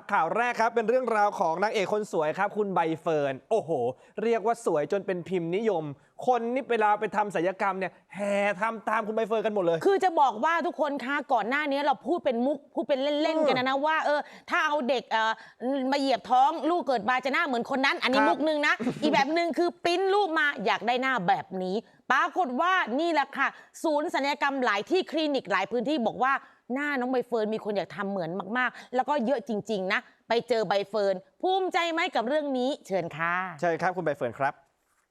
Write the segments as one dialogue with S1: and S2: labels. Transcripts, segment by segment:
S1: ข่าวแรกครับเป็นเรื่องราวของนางเอกคนสวยครับคุณใบเฟิร์นโอ้โหเรียกว่าสวยจนเป็นพิมพ์นิยม คนนี่เวลาไปทำศัลยกรรมเนี่ยแห่ทำตามคุณใบเฟิร์นกันหมดเลย
S2: คือจะบอกว่าทุกคนคะก่อนหน้านี้เราพูดเป็นมุกพูดเป็นเล่นๆกันนะว่าถ้าเอาเด็กมาเหยียบท้องลูกเกิดมาจะหน้าเหมือนคนนั้นอันนี้มุกนึงนะ อีกแบบนึงคือปริ้นรูปมาอยากได้หน้าแบบนี้ปรากฏว่านี่แหละค่ะศูนย์ศัลยกรรมหลายที่คลินิกหลายพื้นที่บอกว่าหน้าน้องใบเฟิร์นมีคนอยากทำเหมือนมากๆแล้วก็เยอะจริงๆนะไปเจอใบเฟิร์นภูมิใจไหมกับเรื่องนี้เชิญค่ะ
S1: ใช่ครับคุณใบเฟิร์นครับ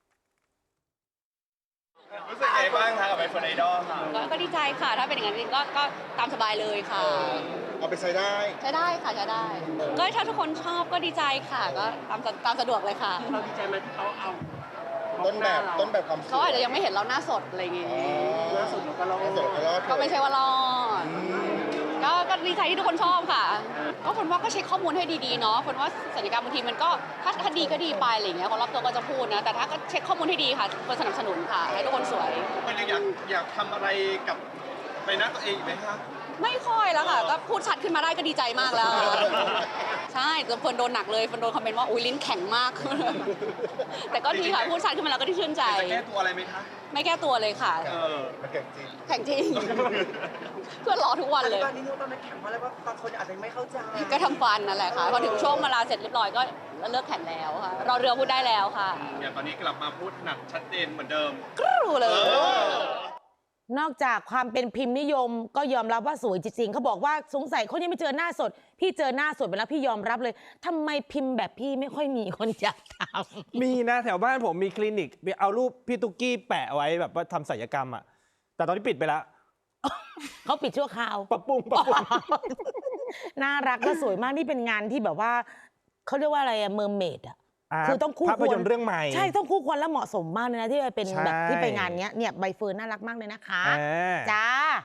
S3: รู้สึกไงบ้างคะกับใบเฟิร์นไอดอลค่ะ
S4: ก็ดีใจค่ะถ้าเป็นอย่างนั้นจริงก็ตามสบายเลยค่ะ
S3: เอาไปใช้ได้
S4: ใช้ได้ค่ะใช้ได้ก็ถ้าทุกคนชอบก็ดีใจค่ะก็ตามสะดวกเลยค่ะ
S5: เราดีใจไหมที่เขาเอา
S3: ต้นแบบความสวย
S4: เขาอาจจะยังไม่เห็นเราหน้าสดอะไรอย่างงี้
S5: ล่าสุดเราก็รอ
S3: สวยก็รอด
S4: ก็ไม่ใช่ว่ารอดก็ดีใจที่ทุกคนชอบค่ะก็คนว่าก็เช็คข้อมูลให้ดีๆเนาะคนว่าศัลยกรรมบางทีมันก็ถ้าดีก็ดีไปอะไรอย่างเงี้ยคนรอบตัวก็จะพูดนะแต่ถ้าก็เช็คข้อมูลให้ดีค่ะคนสนับสนุนค่ะให้ทุกคนสวย
S3: มันยังอยากทำอะไรกับใบหน้าตัวเองอีกไหมคะ
S4: ไม่ค่อยแล้วค่ะก็พูดชัดขึ้นมาได้ก็ดีใจมากแล้ว ใช่แต่เฟิร์นโดนหนักเลยเฟิร์นโดนคอมเมนต์ว่าอุ้ยลิ้นแข็งมาก แต่ก็ดีค่ะพูดชัดขึ้นมาแล้วก็ได้ชื่นใจ
S3: จะแก้ตัวอะไรไหมคะ
S4: ไม่แก้ตัวเลยค่ะ
S3: มันเก่งจริง
S4: แข่งจริง เพื่อนรอทุกวันเลย
S5: ตอนนี้นึกว่ามันแข็งเพราะอะไรว่าบางคนอาจจะไม่เข้าใจ
S4: ก็ทำฟันนั่นแหละค่ะพอถึงช่วงเวลาเสร็จเรียบร้อยก็เลิกแข่งแล้วค่ะรอเรือพูดได้แล้วค่ะ
S3: อย่างตอนนี้กลับมาพูดหนักชัดเจนเหมือนเดิม
S4: กรูเลย
S2: นอกจากความเป็นพิมพ์นิยมก็ยอมรับว่าสวยจริงๆเขาบอกว่าสงสัยเขายังไม่เจอหน้าสดพี่เจอหน้าสดไปแล้วพี่ยอมรับเลยทำไมพิมพ์แบบพี่ไม่ค่อยมีคนอยากทำ
S1: มีนะแถวบ้านผมมีคลินิกเอารูปพี่ตุ๊กกี้แปะไว้แบบว่าทำศัลยกรรมอ่ะแต่ตอนนี้ปิดไปแล้ว
S2: เขาปิดชั่วคราว
S1: ปรับปรุง
S2: น่ารักก็สวยมากนี่เป็นงานที่แบบว่าเขาเรียกว่าอะไรอะเมอร์เมดอะคือต้องคู่ควร
S1: ภาพยนตร์เรื่องใหม่
S2: ใช่ต้องคู่ควรและเหมาะสมมากเลยนะที่ไปเป็น
S1: ใช่
S2: แบบที่ไปงานเนี้ยเนี่ยใบเฟิร์นน่ารักมากเลยนะคะ
S1: อ่า
S2: จ้า